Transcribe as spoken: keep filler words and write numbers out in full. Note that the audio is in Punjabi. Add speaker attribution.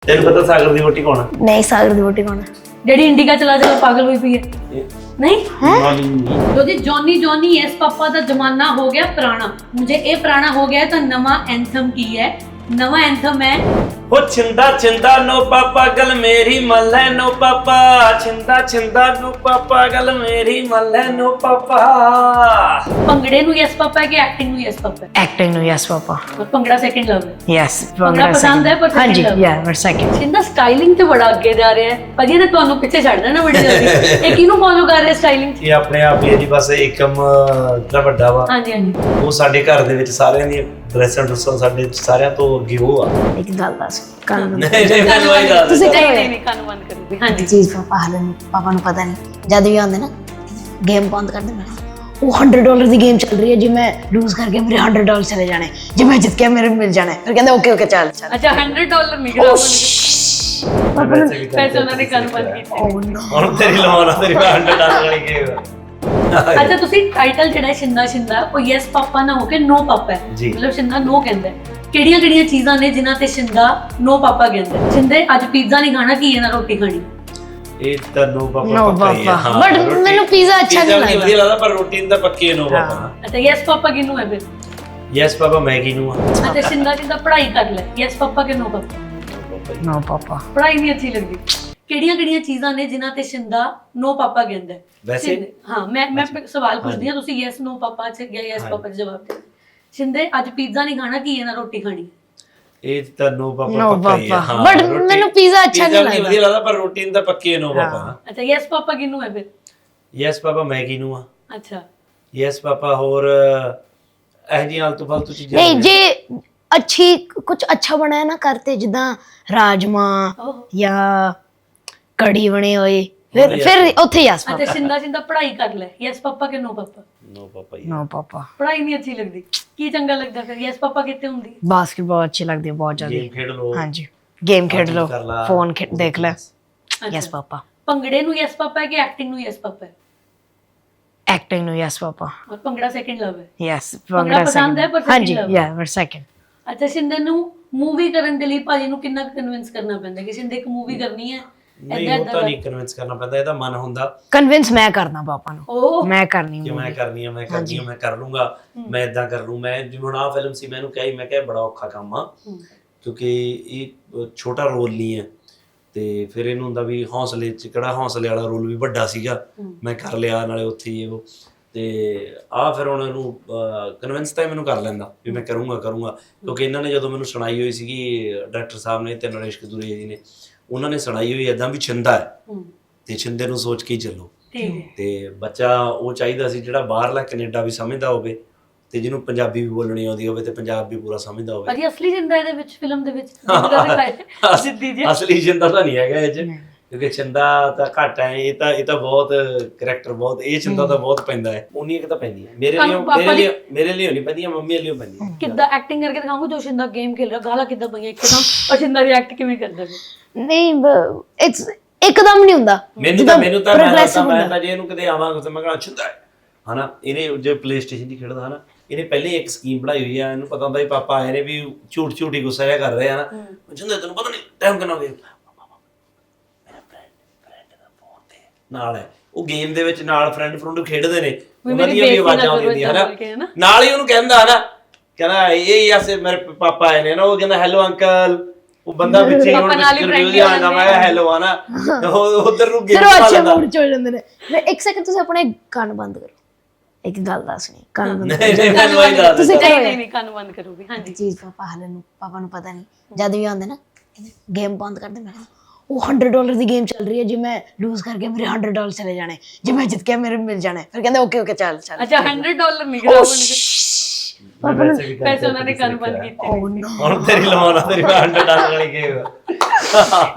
Speaker 1: ਤੈਨੂੰ ਪਤਾ ਸਾਗਰ ਦੀ ਵੋਟੀ ਕੌਣ ਹੈ?
Speaker 2: नहीं सागर दी वोटी कौन है?
Speaker 3: ਜਿਹੜੀ ਇੰਡੀਕਾ ਚਲਾ ਜਾ ਪਾਗਲ ਹੋਈ ਪਈ ਹੈ ਨਹੀਂ
Speaker 1: ਹੈ
Speaker 3: ਜੋ ਜੀ ਜੌਨੀ ਜੌਨੀ ਯੈਸ ਪਾਪਾ ਦਾ ਜ਼ਮਾਨਾ ਹੋ ਗਿਆ ਪੁਰਾਣਾ ਮੁਝੇ ਇਹ ਪੁਰਾਣਾ ਹੋ ਗਿਆ ਤਾਂ ਨਵਾਂ ਐਂਥਮ ਕੀ ਹੈ ਨਵਾਂ ਐਂਥਮ ਹੈ
Speaker 1: ਉਹ ਛਿੰਦਾ ਛਿੰਦਾ ਨੋ ਪਾਪਾ ਗਲ ਮੇਰੀ ਮੱਲੇ ਨੋ ਪਾਪਾ ਛਿੰਦਾ ਛਿੰਦਾ ਨੋ ਪਾਪਾ ਗਲ ਮੇਰੀ ਮੱਲੇ ਨੋ ਪਾਪਾ
Speaker 3: ਭੰਗੜੇ ਨੂੰ ਯੈਸ ਪਾਪਾ ਹੈ ਕਿ ਐਕਟਿੰਗ ਨੂੰ ਯੈਸ ਪਾਪਾ ਹੈ
Speaker 2: एक्टिंग नो यस पापा
Speaker 3: ਔਰ ਭੰਗੜਾ ਸੈਕਿੰਡ ਲਵ ਹੈ
Speaker 2: यस
Speaker 3: ਭੰਗੜਾ ਪਸੰਦ ਹੈ ਪਰ
Speaker 2: हाँ
Speaker 3: second
Speaker 2: जी
Speaker 3: love
Speaker 2: या बट सेकंड
Speaker 3: ਸਿੰਦਾ ਸਟਾਈਲਿੰਗ ਤੇ ਬੜਾ ਅੱਗੇ ਜਾ ਰਿਹਾ ਹੈ ਭਾਜੀ ਨੇ ਤੁਹਾਨੂੰ ਪਿੱਛੇ ਛੱਡ ਦੇਣਾ ਬੜੀ ਜਲਦੀ ਇਹ ਕਿਹਨੂੰ ਫੋਲੋ ਕਰ ਰਿਹਾ ਸਟਾਈਲਿੰਗ
Speaker 1: ਇਹ ਆਪਣੇ ਆਪ ਹੀ ਹੈ ਜੀ ਬਸ ਏਕਮ ਦਾ ਵੱਡਾ ਵਾ
Speaker 3: ਹਾਂਜੀ ਹਾਂਜੀ
Speaker 1: ਉਹ ਸਾਡੇ ਘਰ ਦੇ ਵਿੱਚ ਸਾਰਿਆਂ ਦੀ ਡਰੈਸਾਂ ਡਰੈਸਾਂ ਸਾਡੇ ਸਾਰਿਆਂ ਤੋਂ ਅੱਗੇ ਉਹ ਆ
Speaker 2: एक गल दस कान
Speaker 1: ਨਹੀਂ ਨਹੀਂ ਮੈਨੂੰ ਆਈ ਦੱਸ
Speaker 2: ਤੁਸੀਂ
Speaker 3: ਨਹੀਂ ਨਹੀਂ ਨਹੀਂ ਕੰਨ ਬੰਦ ਕਰੂਗੀ ਹਾਂਜੀ
Speaker 2: चीज पापा हाले पापा ਨੂੰ ਪਤਾ ਨਹੀਂ ਜਦ ਵੀ ਆਉਂਦੇ ਨਾ ਗੇਮ ਬੰਦ ਕਰ ਦੇ ਮੈਂ ਉਹ हंड्रेड डॉलर ਦੀ ਗੇਮ ਚੱਲ ਰਹੀ ਹੈ ਜੀ ਮੈਂ ਲੂਜ਼ ਕਰਕੇ ਮੇਰੇ हंड्रेड डॉलर ਚਲੇ ਜਾਣੇ ਜੇ ਮੈਂ ਜਿੱਤ ਗਿਆ ਮੇਰੇ ਮਿਲ ਜਾਣੇ ਫਿਰ ਕਹਿੰਦੇ ਓਕੇ ਓਕੇ ਚੱਲ ਚੱਲ
Speaker 3: ਅੱਛਾ हंड्रेड डॉलर ਨਿਕਲਿਆ ਪੈਸੇ ਉਹਨਾਂ ਨੇ ਕੰਨ ਬੰਦ ਕੀਤੇ
Speaker 2: ਓ ਨੋ
Speaker 1: ਹੁਣ ਤੇਰੀ ਲਵਾਉਣਾ ਤੇਰੀ ਹੰਡਰਡ ਡਾਲਰ ਵਾਲੀ ਗੇਮ
Speaker 3: ਅੱਛਾ ਤੁਸੀਂ ਟਾਈਟਲ ਜਿਹੜਾ ਸ਼ਿੰਦਾ ਸ਼ਿੰਦਾ ਉਹ ਯੈਸ ਪਾਪਾ ਨਾ ਹੋ ਕੇ ਨੋ ਪਾਪਾ ਹੈ
Speaker 1: ਜੀ।
Speaker 3: ਮਤਲਬ ਸ਼ਿੰਦਾ ਨੋ ਕਹਿੰਦਾ ਕਿਹੜੀਆਂ ਕਿਹੜੀਆਂ ਚੀਜ਼ਾਂ ਨੇ ਜਿਨ੍ਹਾਂ ਤੇ ਸ਼ਿੰਦਾ ਨੋ ਪਾਪਾ ਕਹਿੰਦਾ ਹੈ? ਸ਼ਿੰਦੇ ਅੱਜ ਪੀਜ਼ਾ ਨਹੀਂ ਖਾਣਾ ਕੀ ਇਹਨਾਂ ਰੋਟੀ ਖਾਣੀ
Speaker 1: ਇਹ ਤਾਂ ਨੋ ਪਾਪਾ
Speaker 2: ਨੋ
Speaker 1: ਪੱਕਾ ਹੀ ਆ,
Speaker 2: ਪਾਪਾ
Speaker 1: ਹਾਂ,
Speaker 2: ਬਟ
Speaker 1: ਰੋਟੀ-
Speaker 2: ਮੈਨੂੰ ਪੀਜ਼ਾ ਅੱਛਾ
Speaker 1: ਪੀਜ਼ਾ
Speaker 2: ਨਹੀਂ
Speaker 1: ਵਧੀਆ
Speaker 2: ਲੱਗਦਾ
Speaker 1: ਲੱਗਦਾ ਪਰ ਰੋਟੀ ਤਾਂ ਪੱਕੀ ਹੈ ਨੋ ਪਾਪਾ
Speaker 3: ਅੱਛਾ ਯੈਸ ਪਾਪਾ ਕਿਹਨੂੰ ਹੈ ਫਿਰ
Speaker 1: ਯੈਸ ਪਾਪਾ ਮੈਗੀ ਨੂੰ ਆ
Speaker 3: ਅੱਛਾ ਸ਼ਿੰਦਾ ਸ਼ਿੰਦਾ ਪੜ੍ਹਾਈ ਕਰ ਲੈ ਯੈਸ ਪਾਪਾ ਕਿ ਨੋ ਪਾਪਾ
Speaker 2: ਨੋ ਪਾਪਾ
Speaker 3: ਪੜ੍ਹਾਈ ਨਹੀਂ ਅੱਛੀ ਲੱਗਦੀ ਕਿਹੜੀਆਂ ਕਿਹੜੀਆਂ ਚੀਜ਼ਾਂ ਨੇ ਜਿਨ੍ਹਾਂ ਤੇ ਸ਼ਿੰਦਾ ਨੋ ਪਾਪਾ ਕਹਿੰਦਾ ਹੈ?
Speaker 1: ਵੈਸੇ?
Speaker 3: ਸ਼ਿੰਦੇ- ਹਾਂ ਮੈਂ ਮੈਂ ਸਵਾਲ ਪੁੱਛਦੀ ਹਾਂ ਤੁਸੀਂ ਯੈਸ ਨੋ ਪਾਪਾ ਚ ਜਾਂ ਯੈਸ ਪਾਪਾ ਚ ਜਵਾਬ ਦਿਓ ਸ਼ਿੰਦੇ ਅੱਜ ਪੀਜ਼ਾ ਨਹੀਂ ਖਾਣਾ ਕੀ ਇਹਨਾਂ ਰੋਟੀ ਖਾਣੀ
Speaker 1: ਇਹ ਤਾਂ ਨੋ ਪਾਪਾ
Speaker 2: ਨੋ
Speaker 1: ਪੱਕਾ ਹੀ ਆ,
Speaker 2: ਪਾਪਾ
Speaker 1: ਹਾਂ,
Speaker 2: ਬਟ
Speaker 1: ਰੋਟੀ-
Speaker 2: ਮੈਨੂੰ ਪੀਜ਼ਾ ਅੱਛਾ
Speaker 1: ਪੀਜ਼ਾ
Speaker 2: ਨਹੀਂ
Speaker 1: ਵੀ ਵਧੀਆ ਲੱਗਦਾ ਪਰ ਰੋਟੀ ਤਾਂ ਪੱਕੀ ਹੈ ਨੋ ਪਾਪਾ
Speaker 3: ਅੱਛਾ ਯੈਸ ਪਾਪਾ ਕਿਹਨੂੰ ਹੈ ਫਿਰ
Speaker 1: ਯੈਸ ਪਾਪਾ ਮੈਗੀ ਨੂੰ ਆ
Speaker 3: ਅੱਛਾ
Speaker 1: ਯੈਸ ਪਾਪਾ ਹੋਰ ਇਹ ਜੀ ਆਲਤੂ ਫਾਲਤੂ ਚੀਜ਼ਾਂ
Speaker 2: ਨਹੀਂ
Speaker 1: ਨੇ।
Speaker 2: ਜੇ ਅੱਛੀ ਕੁਝ ਅੱਛਾ ਬਣਾਇਆ ਨਾ ਕਰਤੇ ਜਿੱਦਾਂ ਰਾਜਮਾ
Speaker 3: ਓਹ
Speaker 2: ਜਾਂ ਕੜੀ ਬਣੇ ਹੋਏ ਫਿਰ
Speaker 1: ਵਧੀਆ।
Speaker 2: ਫਿਰ ਉੱਥੇ ਯਸ
Speaker 3: ਅੱਛਾ
Speaker 2: ਪਾਪਾ
Speaker 3: ਸ਼ਿੰਦਾ ਸ਼ਿੰਦਾ ਪੜ੍ਹਾਈ ਕਰ ਲੈ ਯੈਸ ਪਾਪਾ ਕਿ ਨੋ ਪਾਪਾ
Speaker 1: ਨੋ ਪਾਪਾ ਹੀ ਆ।
Speaker 2: ਨੋ ਪਾਪਾ
Speaker 3: ਪੜ੍ਹਾਈ ਨਹੀਂ ਅੱਛੀ ਲੱਗਦੀ ਕੀ ਚੰਗਾ ਲੱਗਦਾ ਫਿਰ ਯੈਸ ਪਾਪਾ ਕਿੱਥੇ ਹੁੰਦੀ
Speaker 2: ਬਾਸਕਟਬਾਲ ਅੱਛੀ ਲੱਗਦੀ ਹੈ ਬਹੁਤ ਜ਼ਿਆਦਾ
Speaker 1: ਗੇਮ ਖੇਡ ਲੋ
Speaker 2: ਹਾਂਜੀ ਗੇਮ ਖੇਡ ਲਓ
Speaker 1: ਕਰ ਲਾ।
Speaker 2: ਫੋਨ ਖੇਡ ਦੇਖ ਲੈ
Speaker 3: ਅੱਛਾ।
Speaker 2: ਯਸ ਪਾਪਾ
Speaker 3: ਭੰਗੜੇ ਨੂੰ ਯੈਸ ਪਾਪਾ ਹੈ ਕਿ ਐਕਟਿੰਗ ਨੂੰ ਯੈਸ ਪਾਪਾ ਹੈ
Speaker 2: ਐਕਟਿੰਗ ਨੂੰ ਯਸ ਪਾਪਾ
Speaker 3: ਔਰ ਭੰਗੜਾ ਸੈਕਿੰਡ ਲਵ ਹੈ
Speaker 2: ਯਸ
Speaker 3: ਭੰਗੜਾ ਪਸੰਦ ਹੈ ਪਰ second
Speaker 2: ਹਾਂਜੀ
Speaker 3: love।
Speaker 2: ਯਾ ਬਟ ਸੈਕਿੰਡ
Speaker 3: ਅੱਛਾ ਸ਼ਿੰਦੇ ਨੂੰ ਮੂਵੀ ਕਰਨ ਦੇ ਲਈ ਭਾਜੀ ਨੂੰ ਕਿੰਨਾ ਕਨਵਿੰਸ ਕਰਨਾ ਪੈਂਦਾ ਕਿ ਸ਼ਿੰਦੇ ਇੱਕ ਮੂਵੀ ਕਰਨੀ ਹੈ
Speaker 1: ਨਹੀਂ ਉਹ ਤਾਂ ਨਹੀਂ ਕਨਵਿੰਸ ਕਰਨਾ ਪੈਂਦਾ ਇਹਦਾ ਮਨ ਹੁੰਦਾ
Speaker 2: ਕਨਵਿੰਸ ਮੈਂ ਕਰਨਾ ਪਾਪਾ ਨੂੰ
Speaker 3: ਓਹ
Speaker 2: ਮੈਂ ਕਰਨੀ
Speaker 1: ਕਿ
Speaker 2: movie।
Speaker 1: ਮੈਂ ਕਰਨੀ ਆ ਮੈਂ ਕਰਨੀ ਆ ਮੈਂ ਕਰ ਲੂੰਗਾ ਮੈਂ ਇਦਾਂ ਕਰ ਲੂੰ ਮੈਂ ਜਿਵੇਂ ਹੁਣ ਆਹ ਫਿਲਮ ਸੀ ਮੈਨੂੰ ਕਹੀ ਮੈਂ ਕਿਹਾ ਬੜਾ ਔਖਾ ਕੰਮ ਆ ਕਿਉਂਕਿ ਇਹ ਛੋਟਾ ਰੋਲ ਨਹੀਂ ਹੈ ਤੇ ਫਿਰ ਇਹਨੂੰ ਹੁੰਦਾ ਵੀ ਹੌਸਲੇ ਚ ਕਿਹੜਾ ਹੌਸਲੇ ਵਾਲਾ ਰੋਲ ਵੀ ਵੱਡਾ ਸੀਗਾ ਮੈਂ ਕਰ ਲਿਆ ਨਾਲੇ ਉੱਥੇ ਹੀ ਉਹ ਤੇ ਆ ਫਿਰ ਹੁਣ ਇਹਨੂੰ ਕਨਵਿੰਸ ਤਾਂ ਇਹ ਮੈਨੂੰ ਕਰ ਲੈਂਦਾ ਵੀ ਮੈਂ ਕਰੂੰਗਾ ਕਰੂੰਗਾ ਕਿਉਂਕਿ ਇਹਨਾਂ ਨੇ ਜਦੋਂ ਮੈਨੂੰ ਸੁਣਾਈ ਹੋਈ ਸੀਗੀ ਡਾਇਰੈਕਟਰ ਸਾਹਿਬ ਨੇ ਤੇ ਨਰੇਸ਼ ਕਦੂਰੀਆ ਜੀ ਨੇ ਉਹਨਾਂ ਨੇ ਸੁਣਾਈ ਹੋਈ ਏਦਾਂ ਵੀ ਛਿੰਦਾ ਹੈ ਤੇ ਛਿੰਦੇ ਨੂੰ ਸੋਚ ਕੇ ਹੀ ਚੱਲੋ
Speaker 3: ਠੀਕ ਹੈ
Speaker 1: ਤੇ ਬੱਚਾ ਉਹ ਚਾਹੀਦਾ ਸੀ ਜਿਹੜਾ ਬਾਹਰਲਾ ਕੈਨੇਡਾ ਵੀ ਸਮਝਦਾ ਹੋਵੇ ਤੇ ਜਿਹਨੂੰ ਪੰਜਾਬੀ ਵੀ ਬੋਲਣੀ ਆਉਂਦੀ ਹੋਵੇ ਤੇ ਪੰਜਾਬ ਵੀ ਪੂਰਾ ਸਮਝਦਾ ਹੋਵੇ
Speaker 3: ਭਾਜੀ ਅਸਲੀ ਜਿੰਦਾ ਇਹਦੇ ਵਿੱਚ ਫਿਲਮ ਦੇ ਵਿੱਚ ਜਿੰਦਾ ਦਿਖਾਇਆ ਸਿੱਧੀ ਜੀ
Speaker 1: ਅਸਲੀ ਛਿੰਦਾ ਤਾਂ ਨਹੀਂ ਹੈਗਾ ਇਹ ਚ ਕਿਉਂਕਿ ਛਿੰਦਾ ਤਾਂ ਘੱਟ ਹੈ ਇਹ ਤਾਂ ਇਹ ਤਾਂ ਬਹੁਤ ਕਰੈਕਟਰ ਬਹੁਤ ਇਹ ਛਿੰਦਾ ਤਾਂ ਬਹੁਤ ਪੈਂਦਾ ਹੈ ਉਨੀ ਇੱਕ ਤਾਂ ਪੈਂਦੀ ਹੈ ਮੇਰੇ ਲਈ ਮੇਰੇ ਲਈ ਮੇਰੇ ਲਈ ਨਹੀਂ ਪੈਂਦੀ ਮੰਮੀ ਲਈ ਪੈਂਦੀ ਹੈ
Speaker 3: ਕਿੱਦਾਂ ਐਕਟਿੰਗ ਕਰਕੇ ਦਿਖਾਉਂਗਾ ਜੋ ਸ਼ਿੰਦਾ ਗੇਮ ਖੇਲ ਰਿਹਾ ਗਾਲਾਂ ਕਿੱਦਾਂ ਪਈਆਂ ਇੱਕਦਮ ਔਰ ਸ਼ਿੰਦਾ ਰਿਐਕਟ ਕਿਵੇਂ ਕਰਦਾ ਫਿਰ
Speaker 2: ਨਹੀਂ ਇਟਸ ਇੱਕਦਮ ਨਹੀਂ ਹੁੰਦਾ
Speaker 1: ਮੈਨੂੰ ਤਾਂ ਮੈਨੂੰ ਤਾਂ ਮੈਂ ਤਾਂ ਮੈਂ ਤਾਂ ਜੇ ਇਹਨੂੰ ਕਿਤੇ ਆਵਾਂਗਾ ਤਾਂ ਮੈਂ ਕਹਾਂ ਛਿੰਦਾ ਹਨਾ ਇਹਨੇ ਜੇ ਪਲੇ ਸਟੇਸ਼ਨ ਦੀ ਖੇਡਦਾ ਹਨਾ ਇਹਨੇ ਪਹਿਲੇ ਇੱਕ ਸਕੀਮ ਬਣਾਈ ਹੋਈ ਆ ਇਹਨੂੰ ਪਤਾ ਹੁੰਦਾ ਵੀ ਪਾਪਾ ਆਏ ਨੇ ਵੀ ਝੂਠ ਝੂਠੀ ਗੁੱਸਾ ਜਿਹਾ ਕਰ ਰਹੇ ਆ ਨਾ ਜਿੰਦਾ ਤੈਨੂੰ ਪਤਾ ਨਹੀਂ ਟਾਈਮ ਕਿੰਨਾ ਹੋ ਗਿਆ ਨਾਲ ਹੈ ਉਹ ਗੇਮ ਦੇ ਵਿੱਚ ਨਾਲ ਫਰੈਂਡ ਫਰੁੰਡ ਖੇਡਦੇ ਨੇ ਉਹਨਾਂ ਦੀਆਂ ਵੀ ਆਵਾਜ਼ਾਂ ਆਉਂਦੀਆਂ ਹਨਾ ਨਾਲ ਹੀ ਉਹਨੂੰ ਕਹਿੰਦਾ ਹਨਾ ਕਹਿੰਦਾ ਇਹ ਯਾਸੇ ਮੇਰੇ ਪਾਪਾ ਆਏ ਨੇ ਨਾ ਉਹ ਕਹਿੰਦਾ ਹੈਲੋ ਅੰਕਲ ਉਹ ਬੰਦਾ ਪਿੱਛੇ ਹੁਣ ਰਿਵਿਊ ਆਉਂਦਾ ਮੈਂ ਹੈਲੋ ਆਣਾ ਉਧਰ ਨੂੰ ਗੇਮ ਪਾ ਲੈਂਦਾ
Speaker 2: ਮੂਡ ਚ ਹੋ ਜਾਂਦੇ ਨੇ ਮੈਂ ਇੱਕ ਸੈਕਿੰਡ ਤੁਸੀਂ ਆਪਣੇ ਕੰਨ ਬੰਦ ਕਰੋ ਇੱਕ ਗੱਲ ਦੱਸਣੀ ਕੰਨ ਬੰਦ
Speaker 1: ਨਹੀਂ ਨਹੀਂ ਮੈਨੂੰ ਆਈ ਦੱਸ
Speaker 2: ਤੁਸੀਂ
Speaker 3: ਨਹੀਂ ਨਹੀਂ ਨਹੀਂ ਕੰਨ ਬੰਦ ਕਰੂਗੀ ਹਾਂਜੀ
Speaker 2: ਚੀਜ਼ ਪਾਪਾ ਹਾਲੇ ਨੂੰ ਪਾਪਾ ਨੂੰ ਪਤਾ ਨਹੀਂ ਜਦ ਵੀ ਆਉਂਦੇ ਨਾ ਗੇਮ ਬੰਦ ਕਰ ਦੇ ਮੈਂ ਉਹ हंड्रेड डॉलर ਦੀ ਗੇਮ ਚੱਲ ਰਹੀ ਹੈ ਜੇ ਮੈਂ ਲੂਜ਼ ਕਰਕੇ ਮੇਰੇ हंड्रेड डॉलर ਚਲੇ ਜਾਣੇ ਜੇ ਮੈਂ ਜਿੱਤ ਗਿਆ ਮੇਰੇ ਮਿਲ ਜਾਣੇ ਫਿਰ ਕਹਿੰਦੇ ਓਕੇ ਓਕੇ ਚੱਲ ਚੱਲ
Speaker 3: ਅੱਛਾ हंड्रेड डॉलर ਨਿਕਲਿਆ ਪੈਸੇ ਉਹਨਾਂ ਨੇ ਕੰਨ ਬੰਦ ਕੀਤੇ
Speaker 1: ਹੁਣ ਤੇਰੀ ਲਵਾਉਣਾ ਤੇਰੀ ਹੰਡਰਡ ਡਾਲਰ ਵਾਲੀ ਗੇਮ